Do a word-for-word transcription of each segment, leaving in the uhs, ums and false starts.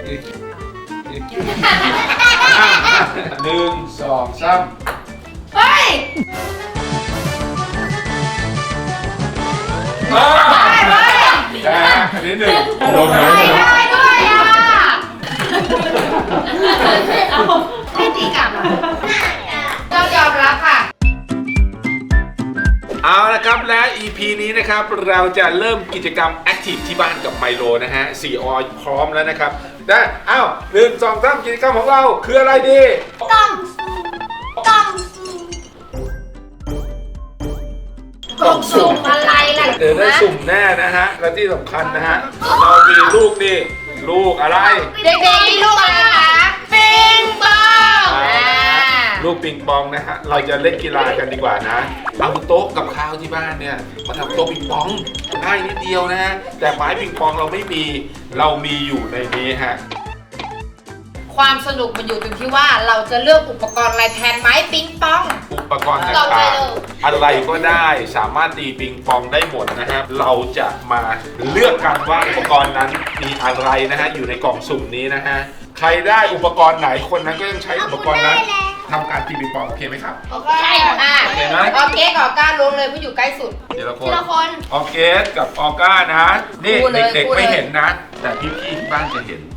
หนึ่งสองสามเฮ้ยแต่อันนี้หนึ่งโดนไหมได้ด้วยอ่ะไม่ตีกลับอ่ะต้องยอมรับค่ะเอาละครับและ อี พี นี้นะครับเราจะเริ่มกิจกรรมแอคทีฟที่บ้านกับไมโลนะฮะสี่ออยพร้อมแล้วนะครับได้อ้าวหนึ่งสองสามกิจกรรมของเราคืออะไรดีกล่องกล่องกล่องสุ่มอะไรล่ะเดี๋ยวได้สุ่มแน่นะฮะและที่สำคัญนะฮะเรามีลูกนี่ลูกอะไรเด็กๆมีลูกอะไรคะปิงปองลูกปิงปองนะฮะเราจะเล่นกีฬากันดีกว่านะเอาโต๊ะกับข้าวที่บ้านเนี่ยมาทำโต๊ะปิงปองง่ายนิดเดียวนะฮะแต่ไม้ปิงปองเราไม่มีเรามีอยู่ในนี้ฮะความสนุกมันอยู่ตรงที่ว่าเราจะเลือกอุปกรณ์อะไรแทนไม้ปิงปองอุปกรณ์ต่างๆอะไรก็ได้สามารถตีปิงปองได้หมดนะฮะเราจะมาเลือกกันว่าอุปกรณ์นั้นมีอะไรนะฮะอยู่ในกล่องสุ่มนี้นะฮะใครได้อุปกรณ์ไหนคนนั้นก็ต้องใช้อุปกรณ์นั้นทำการตีปิงปองโอเคไหมครับโอเคอ่ะโอเคไหมออเก๊กกับออก้าลงเลยผู้อยู่ใกล้สุดทีละคทีนละคนออเกสกับออก้านะนี่พูดเลยเด็กพูดๆเลยไม่เห็นนะ แต่พี่ๆที่บ้านจะเห็น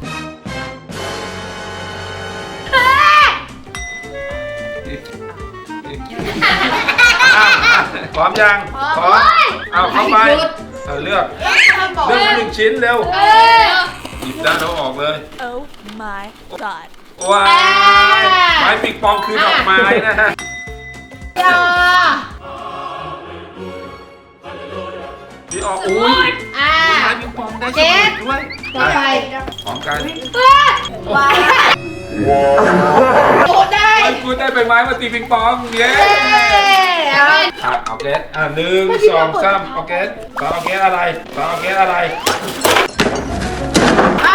อ่ะพร้อมยังพร้อมเอาเข้าไปเอาเลือกเลือกหนึ่งชิ้นเร็วหยิบด้านแล้วออกเลย Oh my god. ว้ายไม้ปิงปองคือดอกไม้นะฮะยาพี่ออกอุ้ยอ่าไม้ปิงปองได้เจ็สดมุดด้วยต่อไปพร้อมกันว้าวโอ้ได้ไอ้กูได้ใบไม้มาตีปิงปองเย้เอาอ่ะเอาเกสอ่ะหนึ่งสองสามเอาเกสสองเอาเกสอะไรสองเอาเกสอะไรเอา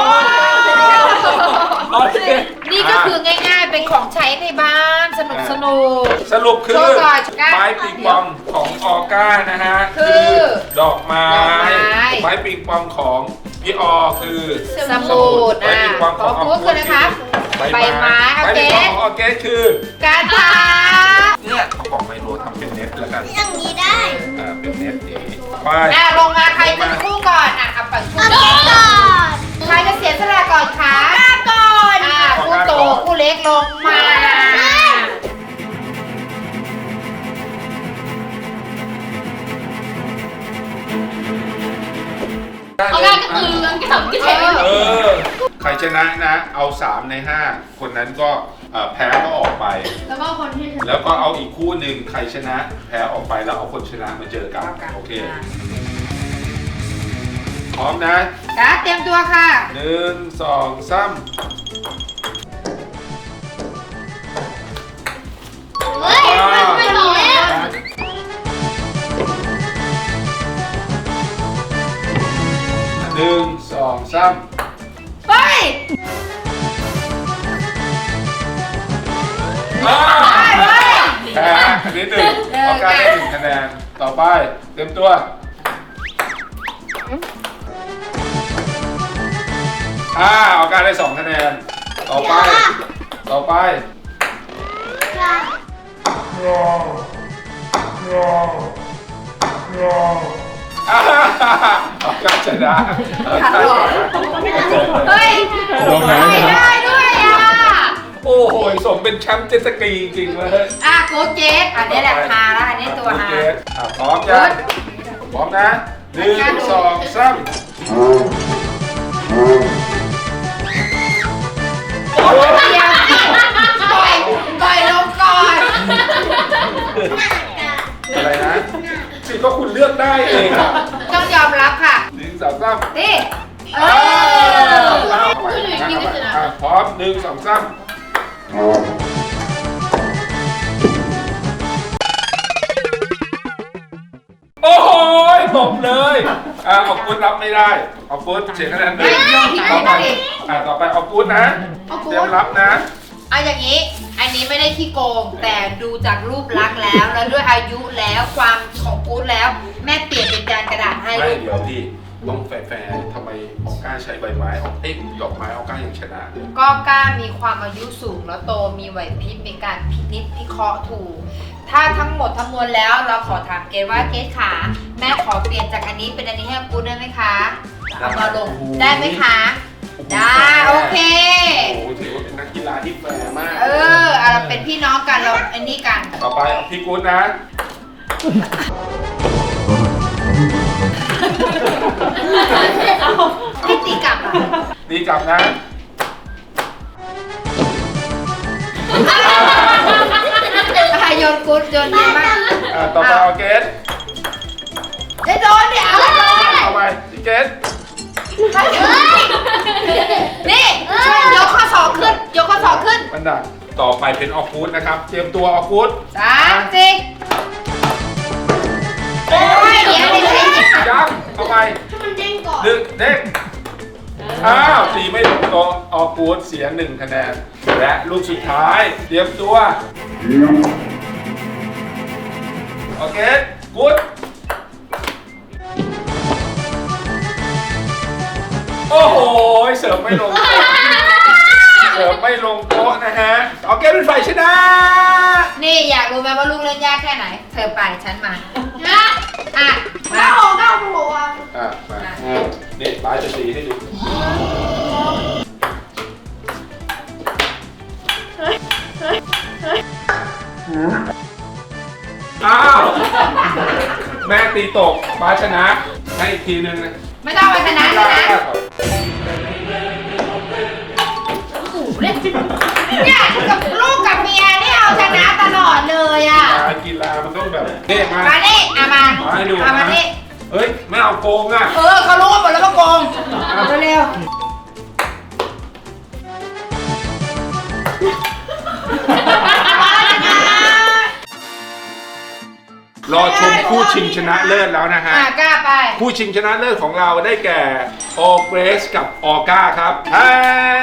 โอเคนี่ก็คือง่ายๆ เป็นของใช้ในบ้านสนุกสนุกสรุปคือโชว์ก่อนก้าไม้ปิงปองของออก้านะฮะคือดอกไม้ดอกไม้ไม้ปิงปองของพี่ออคือสมุดไม้อ่ะปิงปองขขอองพูดคือนะคะใบใบไม้โอไม้เคปิงปองของออเกสคือการทาเนี่ยเอาของไมโลทำเป็นเน็ตแล้วกันอย่างนี้ได้อ่าเป็นเน็ตนี้ไปอ่ะลงมาใครจะคู่ก่อนอ่ะเอาปัดคู่เอาก่อนก่อนใครจะเสียสละก่อนคะก่อนอ่ะคู่โตคู่เล็กลงมาเอาได้ก็คือเออเออใครชนะนะเอาสามในห้าคนนั้นก็เอ่อแพ้ก็ออกไปแล้วก็คนที่แล้วก็เอาอีกคู่หนึ่งใครชนะแพ้ออกไปแล้วเอาคนชนะมาเจอกันโอเคพร้อมนะจ้าเตรียมตัวค่ะหนึ่งสองสามเฮ้ยมันไม่หล่อแล้วหนึ่งสองสามเฮ้ยอ้าวเฮ้ยแพ้อันนี้หนึ่งเอาการได้หนึ่งคะแนนต่อไปเต็มตัวอ่าเอาการได้สองคะแนนต่อไปต่อไปอ่าเอาการชนะเอาการชนะเฮ้ยไม่ได้ด้วยอ่ะโอ้โหสมเป็นแชมป์เจ็ตสกีจริงๆเลยอ่ะโค้ชเจสอันนี้แหละฮาแล้วอันนี้ตัวฮาโอเคอ่ะพร้อมยังพร้อมนะหนึ่งสองสามโอ้ยเดียวปล่อยปล่อยลงก่อนอะไรนะสิก็คุณเลือกได้เองอ่ะต้องยอมรับค่ะหนึ่งสองสามนี่เอเอออเอาไปอ่ะพร้อมหนึ่งสองสามโอ้โหตบเลยอ่ะเอากูดรับไม่ได้เอากูดเสียคะแนนหนึ่งต่อไปอ่ะต่อไปเอากูดนะเตรียมรับนะเอาอย่างนี้ อันนี้ไม่ได้ขี้โกง แต่ดูจากรูปลักษณ์แล้ว แล้วด้วยอายุแล้วความของกู๊ดแล้ว แม่เปลี่ยนเป็นจานกระดาษให้ไม่ลูกเดี๋ยวพี่ต้องแฟร์ๆทำไมออก้าใช้ใบไม้ออกเอ้ยดอกไม้ออก้ายังชนะเลยก็กล้ามีความอายุสูงแล้วโตมีไหวพริบในการพินิจพิเคราะห์ถูก ถ้าทั้งหมดทั้งมวลแล้วเราขอถามเกดว่าเกดขาแม่ขอเปลี่ยนจากอันนี้เป็นอันนี้ให้กูได้ไหมคะเอามาลงได้ไหมคะ ได้โอเคโอ้โหถือว่าเป็นนักกีฬาที่แฟร์มากเออเอาเราเป็นพี่น้องกันเราอันนี้กันต่อไปเอาพี่กู๊ดนะพี่ตีกลับอ่ะดีกลับนะใครโยนกูดโยนเยอะมากอ่าต่อไปเอาเกสได้โดนเดี๋ยวเอาโดนเอาไปพี่เกสนี่ช่วยยกข้อศอกขึ้น ยกข้อศอกขึ้นมันดักต่อไปเป็นออกูดนะครับ เตรียมตัวออกูดสามสี่โอ้ยเดี๋ยวไม่ใช่จิตยังเอาไปมันเด้งก่อนหนึ่งเด็กอ้าวตีไม่ลงตัวออกูดเสียหนึ่งคะแนน และลูกสุดท้าย เตรียมตัวโอเคกูดโอ้โหเสิร์ฟไม่ลงโต๊ะเสิร์ฟไม่ลงโต๊ะนะฮะโอเคเป็นฝ่ายชนะนี่อยากรู้ไหมว่าลูกเล่นยากแค่ไหน เธอไปฉันมานะอ่ะ มาถ้าออกก็เอาหัวอ่ะมานี่ป้าจะตีให้ดูอ้าวแม่ตีตกป้าชนะให้อีกทีนึงนะไม่ต้องไปชนะชนะ เนี่ยกับลูกกับเมียนี่เอาชนะตลอดเลยอ่ะการกีฬามันต้องแบบเท่มามานี่อ่ะมามาให้ดูเอามานะนี่เฮ้ยไม่เอาโกงอ่ะเออเขารู้กันหมดแล้วว่าโกงเร็วรอชมคู่ชิงชนะเลิศแล้วนะๆฮะอ่ะกล้าไปคู่ชิงชนะเลิศของเราได้แก่โอเกรสกับออก้าครับอ่า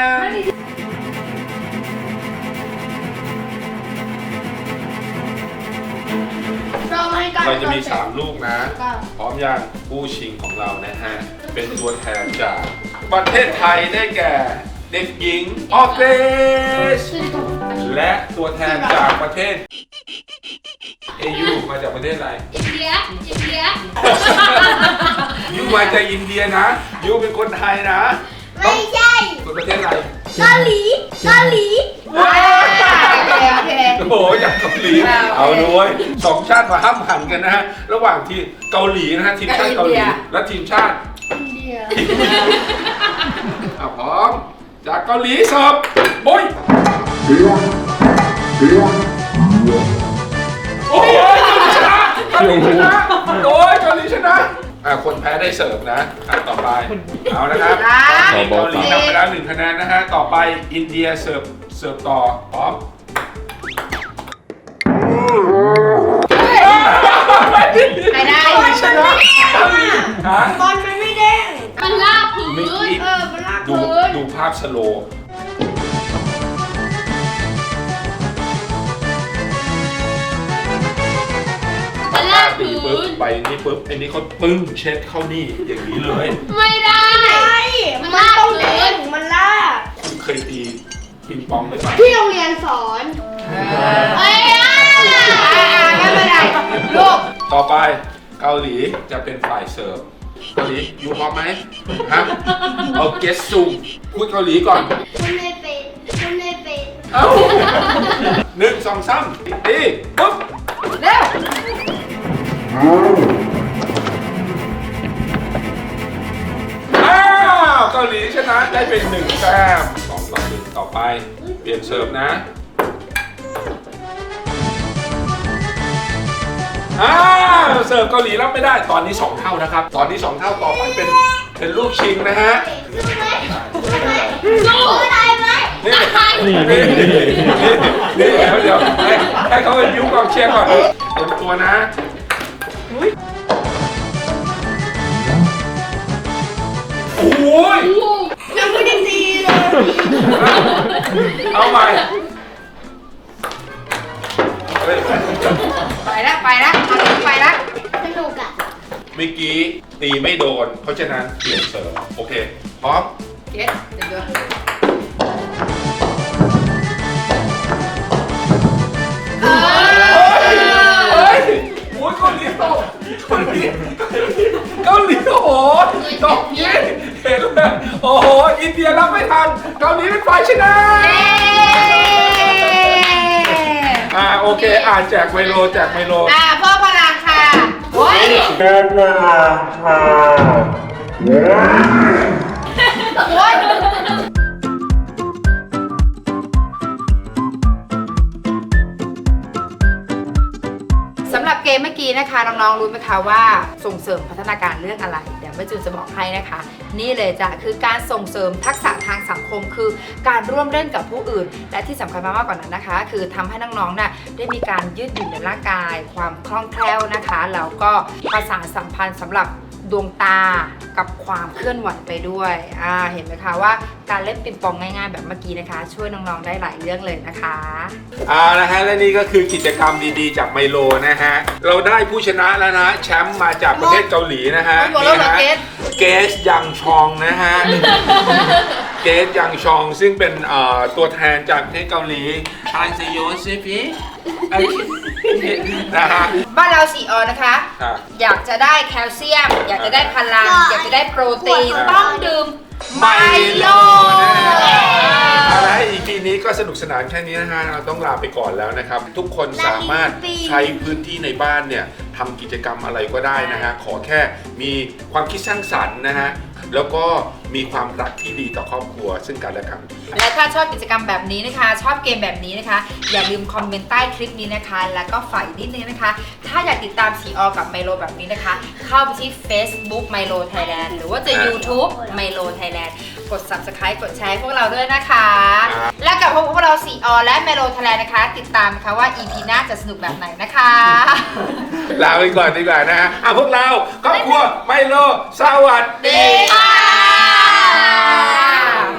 เราให้กันเราจะมีสามลูกนะ พร้อมยังคู่ชิงของเรานะฮะ เป็นตัวแทนจากประเทศไทยได้แก่เด็กหญิงออเกรส และตัวแทนจากประเทศเอยูมาจากประเทศอะไรอินเดียอินเดียยูมาจากอินเดียนะยูเป็นคนไทยนะไม่ใช่คนประเทศอะไรเกาหลีเกาหลีอ่าโอเคโอเคโอ้โหจากเกาหลีเอาด้วยสองชาติมาห้ามหันกันนะฮะระหว่างที่เกาหลีนะฮะทีมชาติเกาหลีและทีมชาติอินเดียอ่ะพร้อมจากเกาหลีเสิร์ฟโอ้ยโอ้ยเกาหลีชนะเกาหลีชนะโอ้ยเกาหลีชนะอ่ะคนแพ้ได้เสิร์ฟนะอ่ะต่อไปเอานะครับสามเกาหลีนำไปแล้วหนึ่งคะแนนนะฮะต่อไปอินเดียเสิร์ฟเสิร์ฟต่อพร้อมใครได้เกาหลีชนะเกาหลีฮะบอลมันไม่เด้งมันลากพื้เมื่อกี้เออมันลากดูพื้นดูภาพสโลว์มันลากตีพื้ปุ๊บนไปนี่ปุ๊บไอ้นี่เขาปึ้งเช็ดเข้านี่อย่างนี้เลยไม่ได้มันลากพื้นมันลากคุณเคยตีปิงปองไหมปะที่โรงเรียนสอนเอ้ยอ่ะไม่เป็นไรลูกต่อไปเกาหลีจะเป็นฝ่ายเสิร์ฟเกาหลียูพร้อมไหมฮะเอาเกสซูพูดเกาหลีก่อนคุณไม่เป็นคุณไม่เป็นเอ้าหนึ่งสองสามตีปุ๊บเร็วอ้าวเกาหลีชนะได้เป็นหนึ่งแต้มสองต่อหนึ่งต่อไปเปลี่ยนเสิร์ฟนะอ้าวเสิร์ฟเกาหลีรับไม่ได้ตอนนี้สองเท่านะครับ ตอนนี้สองเท่าต่อไปเป็นเป็นลูกชิงนะฮะสู้ได้ไหมนี่นี่นี่นี่เดี๋ยวเดี๋ยวให้ให้เขาเป็นยิ้วกองเชียร์ก่อนเตรียมตัวนะโอ้ยยังไม่ได้ตีเลยเอาใหม่เฮ้ยไปแล้วไปแล้วเอาลูกไปแล้วสนุกอ่ะแเมื่อกี้ตีไม่โดน เพราะฉะนั้นเปลี่ยนเสริมโอเคพร้อมเกสเดี๋ยวเดี๋ยวเฮ้ยโอ้ยเกาหลีตกเกาหลีเกาหลีโอ้โหตกเย็นเห็นเลยโอ้โหอินเดียรับไม่ทันเกาหลีเป็นฝ่ายชนะอ่าโอเคอ่าแจกไมโลแจกไมโลอ่าพ่อพลังค่ะโอ้ยโอ้ยสำหรับเกมเมื่อกี้นะคะน้องๆรู้ไหมคะว่าส่งเสริมพัฒนาการเรื่องอะไรเดี๋ยวแม่จูนจะบอกให้นะคะ นี่เลยจ้ะคือการส่งเสริมทักษะทางสังคมคือการร่วมเล่นกับผู้อื่น และที่สำคัญมากๆกว่านั้นนะคะ คือทำให้น้องๆน่ะได้มีการยืดหยุ่นในร่างกาย ความคล่องแคล่วนะคะแล้วก็ประสานสัมพันธ์สำหรับดวงตากับความเคลื่อนไหวไปด้วยอ่าเห็นไหมคะว่าการเล่นปิงปองง่ายๆ แบบเมื่อกี้นะคะ ช่วยน้องๆได้หลายเรื่องเลยนะคะอ่านะฮะและนี่ก็คือกิจกรรมดีๆจากไมโลนะฮะเราได้ผู้ชนะแล้วนะแชมป์มาจากประเทศเกาหลีนะฮะหมดแล้วเหรอฮะเกสเกสยังชองนะฮะ เกสยังชองซึ่งเป็นเอ่อตัวแทนจากประเทศเกาหลีอันเซโยเซฟีนะฮะบ้านเราสีออนนะคะครับอยากจะได้แคลเซียม อยากจะได้พลัง อยากจะได้โปรตีน ต้องดื่มไมโลเอาละอีพีนี้ก็สนุกสนานแค่นี้นะฮะเราต้องลาไปก่อนแล้วนะครับ ทุกคนสามารถใช้พื้นที่ในบ้านเนี่ยทำกิจกรรมอะไรก็ได้นะฮะขอแค่มีความคิดสร้างสรรค์นะฮะแล้วก็มีความรักที่ดีต่อครอบครัวซึ่งกันและกันและถ้าชอบกิจกรรมแบบนี้นะคะ ชอบเกมแบบนี้นะคะ อย่าลืมคอมเมนต์ใต้คลิปนี้นะคะ แล้วก็ฝ่ายนิดนึงนะคะ ถ้าอยากติดตามสีออกับไมโลแบบนี้นะคะ เข้าไปที่ Facebook Milo Thailand หรือว่าจะ YouTube Milo Thailand กด Subscribe กดแชร์ให้พวกเราด้วยนะคะครับและกับพวกเราสีออและ Milo Thailand นะคะ ติดตามนะคะว่า อี พี หน้าจะสนุกแบบไหนนะคะลาไปก่อนดีกว่านะฮะอ่ะพวกเราครอบครัวไมโลสวัสดีดีค่ะ